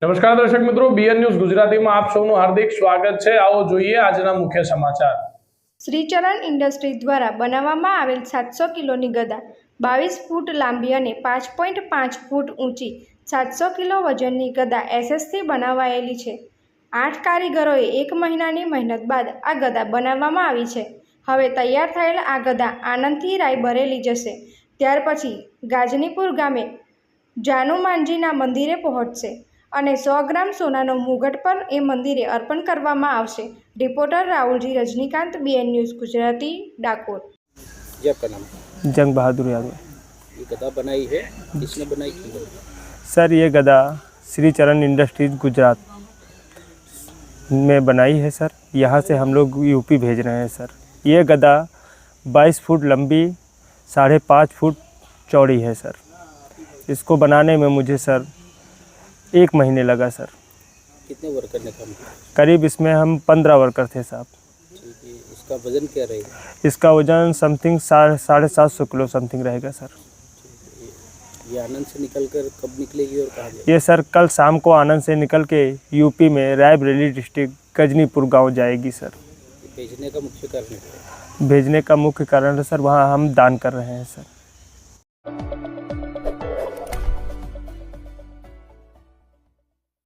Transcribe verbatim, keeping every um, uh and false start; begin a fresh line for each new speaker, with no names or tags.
નમસ્કાર દર્શક મિત્રો, બીએન ન્યૂઝ ગુજરાતીમાં આપ સૌનું હાર્દિક સ્વાગત છે। આવો જોઈએ આજના મુખ્ય સમાચાર।
શ્રીચરણ ઇન્ડસ્ટ્રીઝ દ્વારા બનાવવામાં આવેલ સાતસો કિલોની ગદા બાવીસ ફૂટ લાંબી અને પાંચ પોઈન્ટ પાંચ ફૂટ ઊંચી સાતસો કિલો વજનની ગદા એસએસથી બનાવાયેલી છે। આઠ કારીગરોએ એક મહિનાની મહેનત બાદ આ ગદા બનાવવામાં આવી છે। હવે તૈયાર થયેલ આ ગદા આણંદથી રાયબરેલી જશે। ત્યાર પછી ગાજનીપુર ગામે જાનુમાનજીના મંદિરે પહોંચશે અને સો ગ્રામ સોનાનો મુગટ પર એ મંદિરે અર્પણ કરવામાં આવશે। Reporter Rahul ji Rajinikanth, BN news Gujarati, Dakor.
जी आपका नाम?
जंग बहादुर यादव।
ये गदा बनाई है, किसने बनाई थी?
सर ये गदा श्री चरण इंडस्ट्रीज गुजरात में बनाई है सर। यहाँ से हम लोग यूपी भेज रहे हैं सर। ये गदा बाईस फुट लंबी, साढ़े पाँच फुट चौड़ी है सर। इसको बनाने में मुझे सर एक महीने लगा सर।
कितने वर्कर ने काम किया?
करीब इसमें हम पंद्रह वर्कर थे साहब।
ठीक है, इसका वजन क्या रहेगा?
इसका वजन समथिंग साढ़े साढ़े सात सौ किलो समथिंग रहेगा सर।
ये आनंद से निकल कर कब निकलेगी और कहाँ जाएगी?
ये सर कल शाम को आनंद से निकल के यूपी में रायबरेली डिस्ट्रिक्ट गजनीपुर गांव जाएगी सर।
भेजने का मुख्य कारण क्या है?
भेजने का मुख्य कारण है सर वहाँ हम दान कर रहे हैं सर।